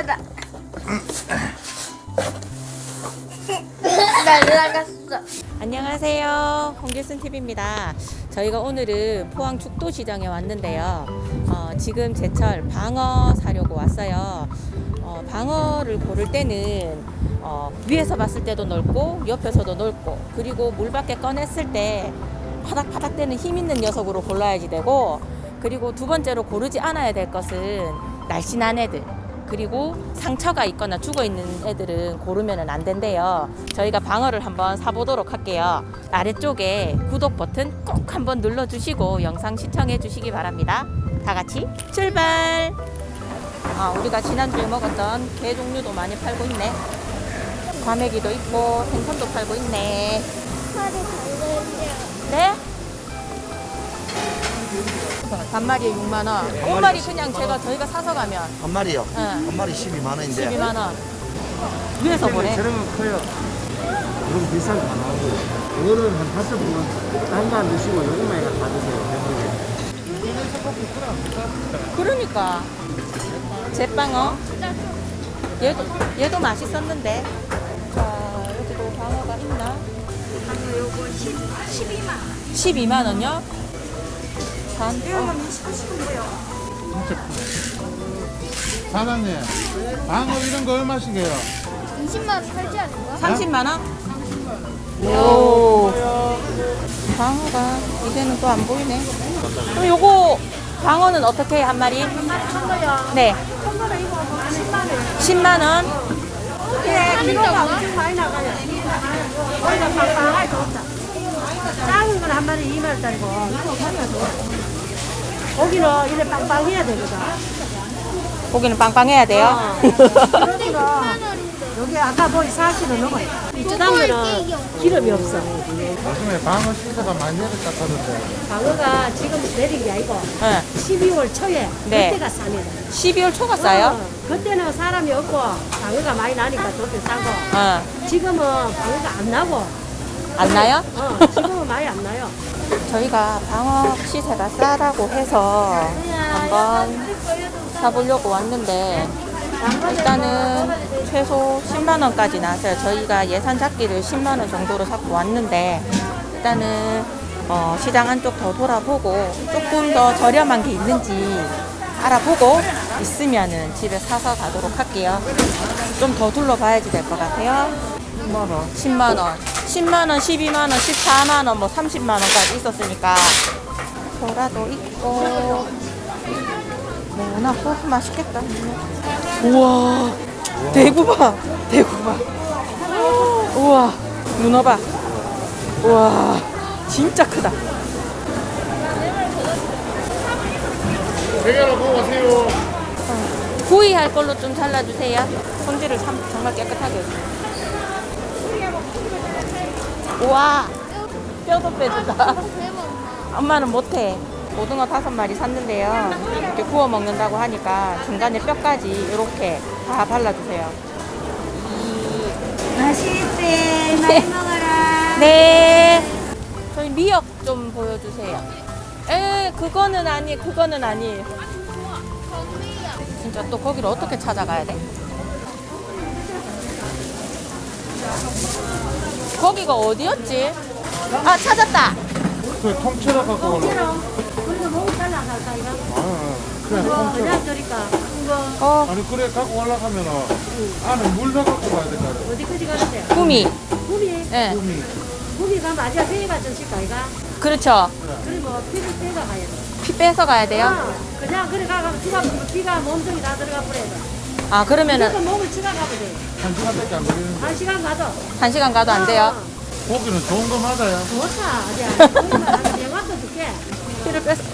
하다. 날라갔어. 안녕하세요, 홍길순 TV입니다. 저희가 오늘은 포항 죽도시장에 왔는데요. 지금 제철 방어 사려고 왔어요. 방어를 고를 때는 위에서 봤을 때도 넓고 옆에서도 넓고, 그리고 물 밖에 꺼냈을 때 파닥파닥 되는 힘 있는 녀석으로 골라야지 되고, 그리고 두 번째로 고르지 않아야 될 것은 날씬한 애들, 그리고 상처가 있거나 죽어 있는 애들은 고르면 안 된대요. 저희가 방어를 한번 사보도록 할게요. 아래쪽에 구독 버튼 꼭 한번 눌러주시고 영상 시청해 주시기 바랍니다. 다 같이 출발! 우리가 지난주에 먹었던 게 종류도 많이 팔고 있네. 과메기도 있고 생선도 팔고 있네. 네? 반마리에 6만원. 꽃말이 그냥 저희가 사서 가면 한 마리요? 응. 한 마리 12만원인데 12만원. 위에서 보래. 저렴은 커요. 이건 비싼 거 나오고요. 이거는 한 5분 한만 드시고 요것만 다 드세요. 그러니까 제빵어. 얘도 맛있었는데. 자, 여기도 방어가 있나? 방금 요거 12만. 12만 원요? 사시는데요. 사장님, 방어 이런 거 얼마씩이에요? 20만 원 팔지 않을까? 30만 원? 오. 방어가 이제는 또 안 보이네. 그럼 요거 방어는 어떻게 해요, 한 마리? 한 거요. 네. 한 거는 이거 10만 원. 10만 원? 네, 키로가 엄청 많이 나가요. 거기가 빵빵하게 좋다. 작은 건 한 마리 2만 원짜리고. 고기는 이래 빵빵해야 되거든. 고기는 빵빵해야 돼요? 그러니까 여기 아까 보이 40원 넘어요. 이쪽당면은 기름이 없어. 요즘에 방어 시세가 많이 내렸다 하던데. 방어가 지금 내린 게 아니고 네. 12월 초에 네. 그때가 쌉니다. 12월 초가 싸요? 그때는 사람이 없고 방어가 많이 나니까 그때 싸고 지금은 방어가 안 나고 안 나요? 지금은 많이 안 나요. 저희가 방어 시세가 싸다고 해서 한번 사보려고 왔는데, 일단은 최소 10만 원까지 나왔어요. 저희가 예산 잡기를 10만 원 정도로 잡고 왔는데, 일단은 시장 안쪽 더 돌아보고 조금 더 저렴한 게 있는지 알아보고 있으면은 집에 사서 가도록 할게요. 좀 더 둘러봐야지 될 것 같아요. 10만 원, 10만 원, 10만 원, 12만 원, 14만 원, 뭐 30만 원까지 있었으니까. 소라도 있고. 뭐나 맛있겠다. 우와, 대구 봐, 대구 봐. 우와, 문어 봐. 우와, 진짜 크다. 대결을 보고 가세요. 구이 할 걸로 좀 잘라주세요. 손질을 정말 깨끗하게 해주세요. 우와, 뼈도 빼주다. 엄마는 못해. 고등어 5마리 샀는데요. 이렇게 구워 먹는다고 하니까 중간에 뼈까지 이렇게 다 발라주세요. 맛있지? 많이 먹어라. 네. 저희 미역 좀 보여주세요. 그거는 아니에요. 진짜 또 거기를 어떻게 찾아가야 돼? 거기가 어디였지? 아, 찾았다. 그 통째로 갖고 오는. 그래서 목을 잘라갈까 이거? 그래, 통째로. 그냥 저리까 이거 아니, 그래, 갖고 올라가면 안에 물 넣어갖고 가야 될 거 아니야. 어디까지 가는데? 구미. 구미? 네. 구미 가면 아직 회가 좀 칠까 이거? 그렇죠. 그리고 피를 빼가 가야 돼. 피 빼서 가야 돼요? 그냥 그래 가면 피가 몸통이 다 들어가 버려야 돼. 아, 그러면은 무조건 목을 치가 가면 돼. 1시간밖에 안 걸리는데. 1시간 가도. 1시간 가도 안 돼요? 고기는 좋은 거 맞아요. 좋다. 아직 영화도 줄게. 피를 빼서.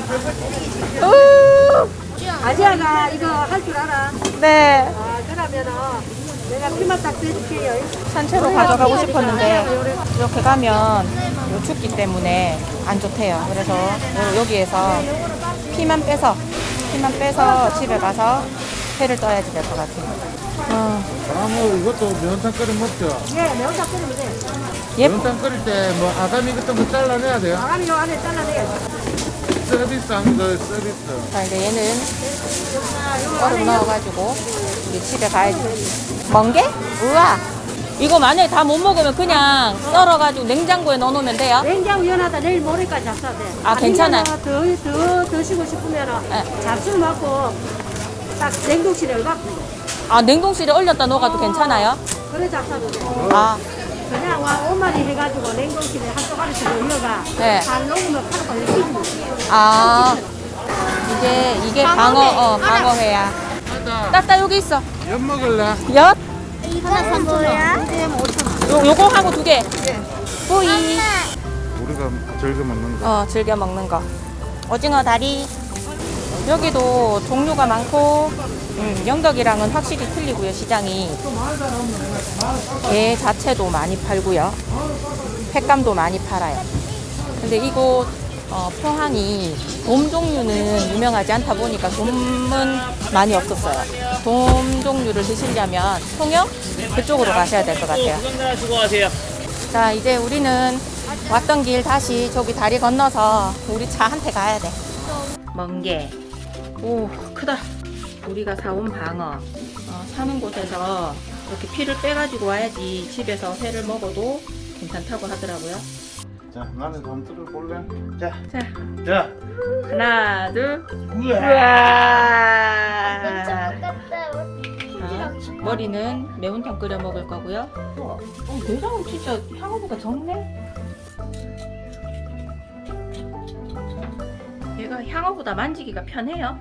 아지아가 이거 할 줄 알아? 네. 그러면은 내가 피만 딱 빼줄게요. 산채로 가져가고 싶었는데 이렇게 가면 요 춥기 때문에 안 좋대요. 그래서 여기에서 피만 빼서 집에 가서 회를 떠야지 될 것 같아요. 방어 이것도 면탕 끓여 먹죠. 예, 매운탕 끓이면 돼. 예, 면탕 끓일 때 뭐 아가미 같은 거 잘라내야 돼요. 바람이 요 안에 잘라내야지. 서비스한 거 서비스. 자, 이제 얘는 얼음 넣어가지고 우리 집에 가야지. 멍게? 우와. 이거 만약에 다 못 먹으면 그냥 썰어가지고 냉장고에 넣어놓으면 돼요? 냉장고 연하다 내일 모레까지 잡숴야 돼. 아, 괜찮아요? 더 드시고 싶으면 네. 잡수 먹고 딱 냉동실에 얼갖고 아, 냉동실에 얼렸다 넣어가도 괜찮아요? 그래 잡숴도 돼. 아, 그냥 와 5마리 해가지고 냉동실에 한 쪼가리씩 올려가 네. 잘 녹으면 파는 거 이렇게 입는 아. 이게 방어회야. 맞아. 따따 여기 있어. 엿 먹을래? 엿? 하나 뭐야? 요거 하고 2개. 뿌이. 우리가 즐겨 먹는 거. 즐겨 먹는 거. 오징어 다리. 여기도 종류가 많고, 영덕이랑은 확실히 틀리고요, 시장이. 게 자체도 많이 팔고요. 횟감도 많이 팔아요. 근데 이곳 포항이 돔 종류는 유명하지 않다 보니까 돔은 많이 없었어요. 돔 종류를 드시려면 통영 그쪽으로 가셔야 될 것 같아요. 자, 이제 우리는 왔던 길 다시 저기 다리 건너서 우리 차한테 가야 돼. 멍게. 오, 크다. 우리가 사온 방어. 사는 곳에서 이렇게 피를 빼가지고 와야지 집에서 회를 먹어도 괜찮다고 하더라고요. 자, 나는 감투를 볼래? 자, 자, 자. 하나, 둘. 우와. 우와. 자, 머리는 매운탕 끓여 먹을 거고요. 내장은 진짜 향어보다 적네. 얘가 향어보다 만지기가 편해요.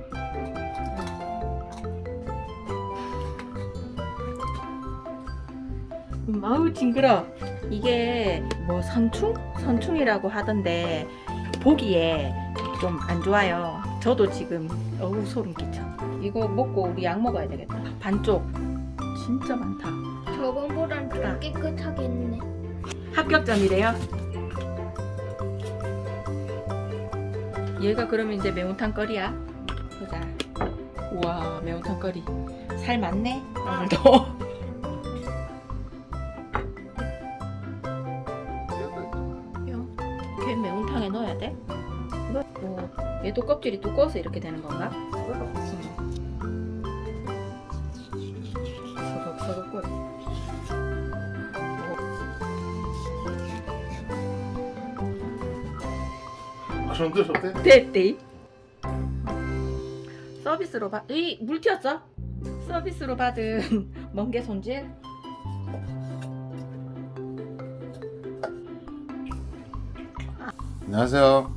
아우 징그러. 이게 뭐 선충이라고 하던데 보기에 좀 안 좋아요. 저도 지금 어우 소름 끼쳐. 이거 먹고 우리 약 먹어야 되겠다. 반쪽 진짜 많다. 저번보단 좀 깨끗하게 했네. 합격점이래요. 얘가 그러면 이제 매운탕 거리야. 보자. 우와, 매운탕 거리. 살 많네 오늘도. 걔 매운탕에 넣어야 돼? 얘도 껍질이 두꺼워서 이렇게 되는 건가? 서걱서걱거리. 그런 데 없대? 됐대. 서비스로 물 튀었어? 서비스로 받은 멍게 손질. 안녕하세요.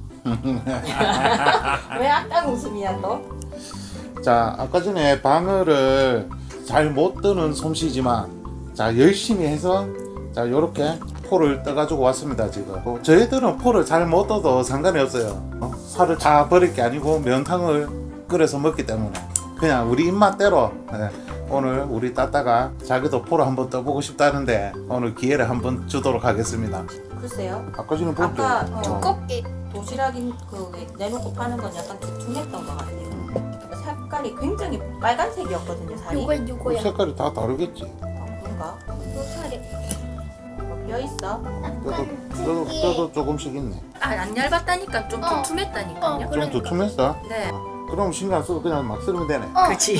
왜 악당 웃음이야 너? 자, 아까 전에 방어를 잘 못 뜨는 솜씨지만 자, 열심히 해서 자, 요렇게 포를 떠가지고 왔습니다. 지금 저희들은 포를 잘 못 떠도 상관이 없어요. 살을 다 버릴 게 아니고 면탕을 끓여서 먹기 때문에 그냥 우리 입맛대로 오늘 우리 따따가 자기도 포를 한번 떠보고 싶다는데 오늘 기회를 한번 주도록 하겠습니다. 글쎄요. 아까 전에 볼 때 아까 두껍게. 도시락인 그 내놓고 파는 건 약간 두툼했던 것 같아요. 색깔이 굉장히 빨간색이었거든요, 살이. 요거야. 색깔이 다 다르겠지. 그런가? 요 살이. 뼈 있어? 뼈도 조금씩 있네. 안 얇았다니까 좀 두툼했다니까요. 좀 그러니까. 두툼했어? 네. 그럼 신경 안 써도 그냥 막 썰으면 되네. 그렇지.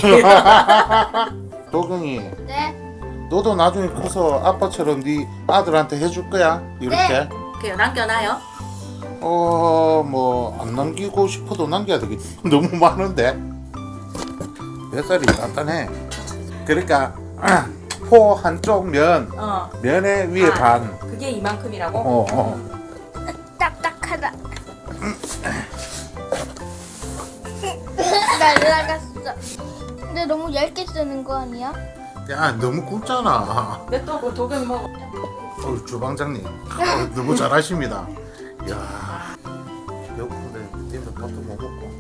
도경이 네. 너도 나중에 커서 아빠처럼 네 아들한테 해줄 거야? 이렇게? 그래요. 남겨놔요. 뭐 안 남기고 싶어도 남겨야 되겠지. 너무 많은데 뱃살이 단단해. 그러니까 포 한쪽 면의 위에 반. 그게 이만큼이라고? 딱딱하다. 날라갔어. 근데 너무 얇게 쓰는 거 아니야? 야, 너무 굵잖아. 냅둬 그 도경 먹어. 주방장님 너무 잘하십니다. 야, 배고픈데 때문에 밥도 못 먹고.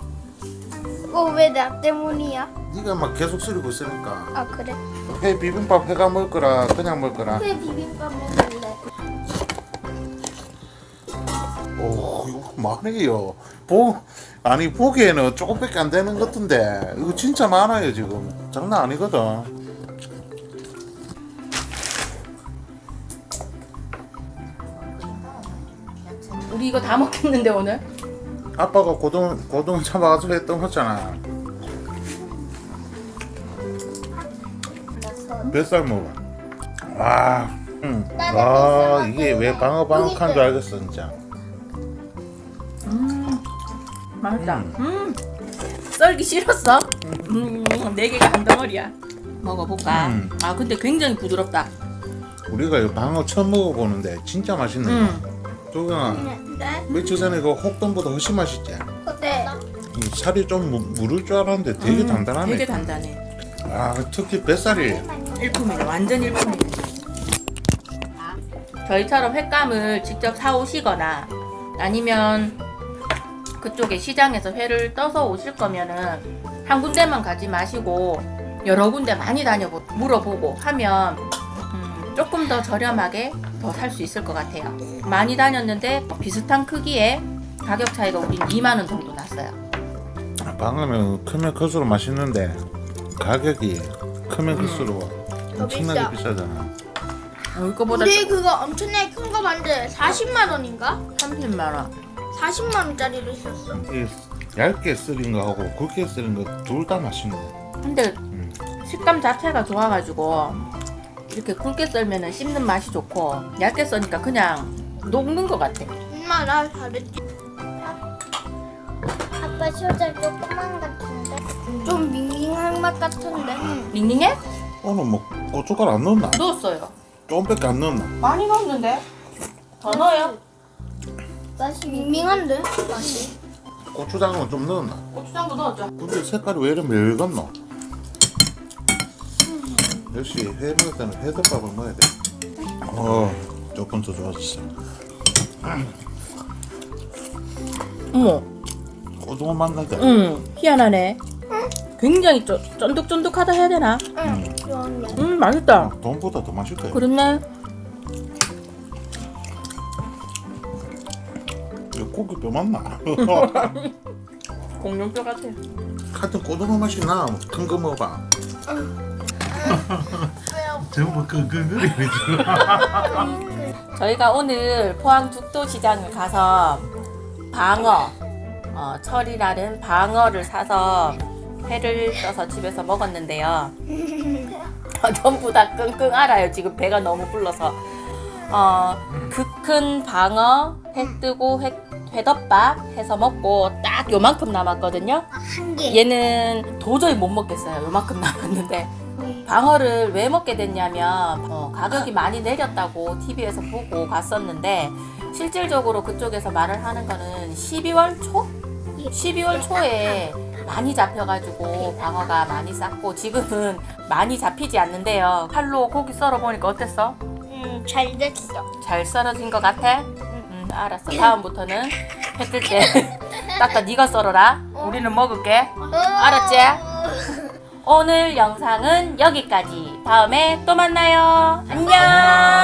왜 나 때문이야? 네가 막 계속 쓰리고 있으니까. 아 그래? 회 비빔밥 회가 먹을 거라 그냥 먹을 거라. 왜 비빔밥 먹을래? 오, 이거 많아요. 아니 보기에는 조금밖에 안 되는 것 같은데 이거 진짜 많아요 지금. 장난 아니거든. 우리 이거 다 먹겠는데 오늘? 아빠가 고등 잡아가지고 했던 거잖아. 뱃살 먹어. 와, 와 이게 왜 방어방어한 줄 알겠어 진짜. 맛있다. 썰기 싫었어? 4개가 한 덩어리야. 먹어볼까? 아 근데 굉장히 부드럽다. 우리가 이 방어 처음 먹어보는데 진짜 맛있네. 조경아, 네? 며칠 전에 그 혹돈보다 훨씬 맛있지? 네. 살이 좀 무를 줄 알았는데 되게 단단하네. 되게 단단해. 아, 특히 뱃살이. 일품이네. 완전 일품이네. 저희처럼 횟감을 직접 사오시거나 아니면 그쪽에 시장에서 회를 떠서 오실 거면은 한 군데만 가지 마시고 여러 군데 많이 물어보고 하면 조금 더 저렴하게 더 살 수 있을 것 같아요. 많이 다녔는데 비슷한 크기에 가격 차이가 우린 2만 원 정도 났어요. 방어는 크면 클수록 맛있는데 가격이 크면 클수록 엄청나게 비싸잖아. 이거보다 우리 그거 엄청나게 큰 거 봤는데 40만 원인가? 30만 원. 40만 원짜리를 샀어. 이 얇게 썰린 거하고 굵게 썰린 거 둘 다 맛있는 거. 근데 식감 자체가 좋아가지고 이렇게 굵게 썰면은 씹는 맛이 좋고 얇게 써니까 그냥 녹는 것 같아. 엄마 나 잘했지. 아빠 소자 조그만 같은데? 좀 밍밍한 맛 같은데. 닝닝해? 오늘 뭐 고춧가루 안 넣었나? 넣었어요. 좀밖에 안 넣었나? 많이 넣었는데 더 넣어요. 맛이 밍밍한데 맛이. 고추장은 좀 넣었나? 고추장도 넣었죠. 근데 색깔이 왜 이렇게 멸건노? 역시 회 먹을 때는 회덮밥을 먹어야 돼. 조금 더 좋아졌어. 어머, 고등어 맛나대. 희한하네. 굉장히 쫀득쫀득하다 해야 되나? 좋은데. 맛있다. 돈보다 더 맛있대. 그렇네. 이거 고기 뼈 맞나? 공룡뼈 같아. 같은 고등어 맛이 나. 큰 거 먹어봐. 전부 그림이지. 저희가 오늘 포항 죽도시장을 가서 방어, 철이라는 방어를 사서 회를 떠서 집에서 먹었는데요. 전부 다 끙끙 앓아요. 지금 배가 너무 불러서. 그 큰 방어 회 뜨고 회덮밥 해서 먹고 딱 요만큼 남았거든요. 한 개. 얘는 도저히 못 먹겠어요. 요만큼 남았는데 방어를 왜 먹게 됐냐면 가격이 많이 내렸다고 TV에서 보고 갔었는데 실질적으로 그쪽에서 말을 하는 거는 12월 초? 12월 초에 많이 잡혀가지고 방어가 많이 쌌고 지금은 많이 잡히지 않는데요. 칼로 고기 썰어 보니까 어땠어? 잘 됐어. 잘 썰어진 것 같아? 알았어. 다음부터는 회 뜰 때 딱딱 네가 썰어라. 우리는 먹을게. 알았지? 오늘 영상은 여기까지. 다음에 또 만나요. 안녕.